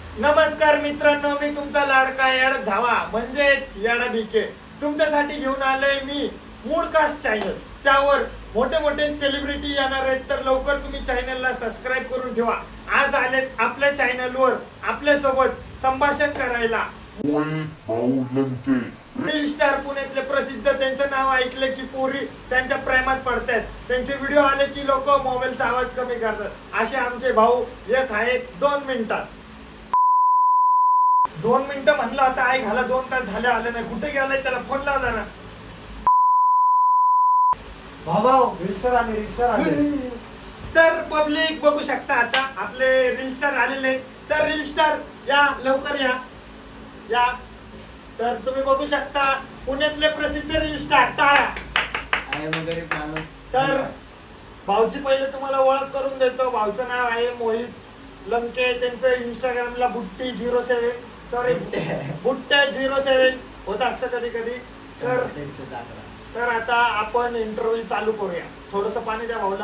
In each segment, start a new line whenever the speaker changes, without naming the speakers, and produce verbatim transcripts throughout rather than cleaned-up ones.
नमस्कार मित्रांनो, मी तुमचा लाडका याड झावा म्हणजेच याडा बीके तुमच्यासाठी घेऊन आलोय मी मूडकास्ट चॅनल. त्यावर मोठे मोठे सेलिब्रिटी येणार आहेत, तर लवकर तुम्ही चॅनलला सबस्क्राईब करून ठेवा. आज आलेत आपल्या चॅनलवर आपल्या सोबत संभाषण करायला रील स्टार पुण्यातले प्रसिद्ध. त्यांचं नाव ऐकलं की पोरी त्यांच्या प्रेमात पडतात. त्यांचे व्हिडिओ आले की लोक मोबाईलचा आवाज कमी करतात. असे आमचे भाऊ येत आहेत दोन मिनिटात. दोन मिनिटं म्हणलं आता आई घाला, दोन तास झाले आले नाही. कुठे गेलाय? त्याला फोन लाव जरा. तर पब्लिक बघू शकता आता आपले रील स्टार आलेले. तर रील स्टार या, लवकर या या. तर तुम्ही बघू शकता पुण्यातले प्रसिद्ध रील स्टार टाळा. तर भाऊची पहिले तुम्हाला ओळख करून देतो. भाऊचं नाव आहे मोहित लंके. त्यांचं इंस्टाग्रामला बुट्टी झिरो सेव्हन सॉरी बुट्ट्या झिरो सेव्हन होत असतं कधी कधी. तर तर आता आपण इंटरव्ह्यू चालू करूया. थोडस पाणी द्या भाऊला.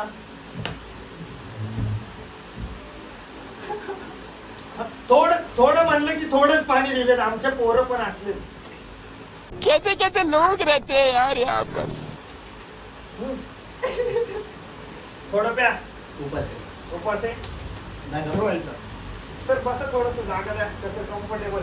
थोडं थोडं म्हणलं की थोडंच पाणी दिले. आमच्या पोरं पण असले.
कैसे कैसे लोग रहते हैं यार यहाँ पर.
थोडं प्या. उपास आहे सर. बसा, थोडस जागा द्या. कसं कम्फर्टेबल.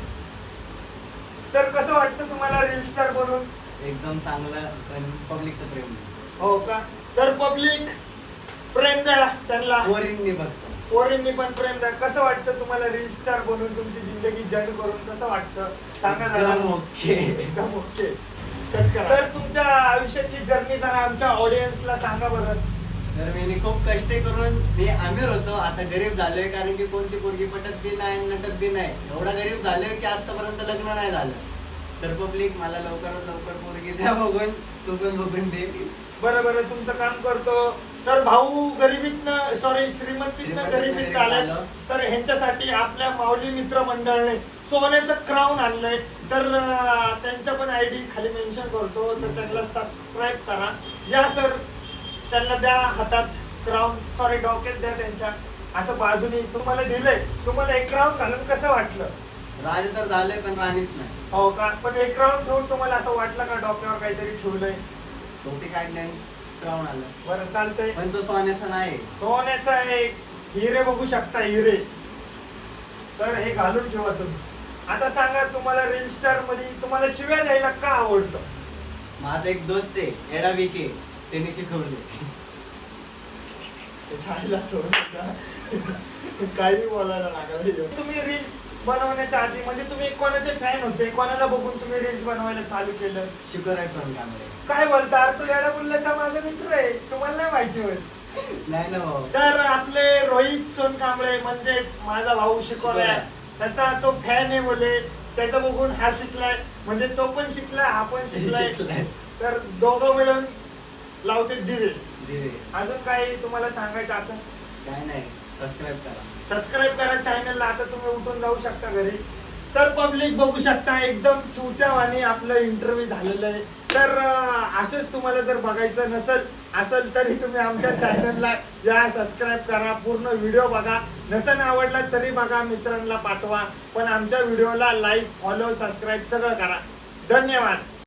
तर कसं वाटतं तुम्हाला रील स्टार बनून?
एकदम चांगलं. पण पब्लिकचं प्रेम.
हो का? तर पब्लिक प्रेम द्या त्यांना.
पोरींनी बघतो.
पोरींनी पण प्रेम द्या. कसं वाटतं तुम्हाला रील स्टार बनून, तुमची जिंदगी जड करून कसं वाटतं सांगा जरा.
ओके
एकदम ओके. तर तुमच्या आयुष्यातली जर्नी जरा आमच्या ऑडियन्सला सांगा बरं.
तर मी खूप कष्ट करून मी अमीर होतो, आता गरीब झालोय. कारण की कोणती पोरगी पटत बी नाही, नटत बी नाही. एवढा गरीब झालोय की आतापर्यंत लग्न नाही झालं. तर पब्लिक मला लवकरात लवकर पोरगी द्या बघून. तू पण बघून दे.
बरं बरं, तुमचं काम करतो. तर भाऊ गरिबीतनं सॉरी श्रीमंतीतनं गरिबीत आले. तर ह्यांच्यासाठी आपल्या माऊली मित्र मंडळाने सोन्याचं क्राऊन आणलंय. तर त्यांच्या पण आय डी खाली मेन्शन करतो. तर त्यांना सबस्क्राईब करा. या सर, त्यांना द्या हातात क्राऊन सॉरी डोक्यात द्या त्यांच्या. असं बाजूनी तुम्हाला दिलंय. तुम्हाला एक क्राऊन घालून कसं वाटलं?
राज तर झालंय पण राणीच नाही.
हो का? पण एक क्राऊन ठेवून तुम्हाला असं वाटलं का डोक्यावर काहीतरी ठेवलंय?
टोपी काढली आणि क्राऊन आलं.
बरं, चालतंय.
पण तो सोन्याचा नाही,
सोन्याचा एक हिरे बघू शकता, हिरे. तर हे घालून ठेवा तुम्ही. आता सांगा, तुम्हाला रील स्टार मध्ये तुम्हाला शिव्या द्यायला का आवडतं?
माझा एक दोस्त आहे एडा विके, त्यांनी शिकवले.
जायला सोडून काही बोलायला लागलं. तुम्ही रील्स बनवण्याच्या आधी म्हणजे तुम्ही कोणाचे फॅन होते? कोणाला बघून तुम्ही रील्स बनवायला चालू केलं?
शिकवराय सोन कांबळे.
काय बोलता? तो येडा बुल्ल्याचा माझा मित्र आहे. तुम्हाला नाही माहिती होईल.
नाही ना भाऊ.
तर आपले रोहित सोनकांबळे म्हणजेच माझा भाऊ शिकवलाय, त्याचा तो फॅन आहे बोले. त्याचं बघून हा शिकलाय, म्हणजे तो पण शिकलाय, हा पण शिकलाय. तर दोघं मिळून लावते दिवे.
दिवे.
अजून काही तुम्हाला सांगायचं असं?
काय नाही, सबस्क्राईब करा.
सबस्क्राईब करा चॅनलला. आता तुम्ही उठून जाऊ शकता घरी. तर पब्लिक बघू शकता एकदम चुत्यावानी आपलं इंटरव्ह्यू झालेलं आहे. तर असंच तुम्हाला जर बघायचं नसेल असेल तरी तुम्ही आमच्या चॅनलला या, सबस्क्राईब करा. पूर्ण व्हिडिओ बघा. नसेल आवडला तरी बघा, मित्रांना पाठवा. पण आमच्या व्हिडिओला लाईक, फॉलो, सबस्क्राईब सगळं करा. धन्यवाद.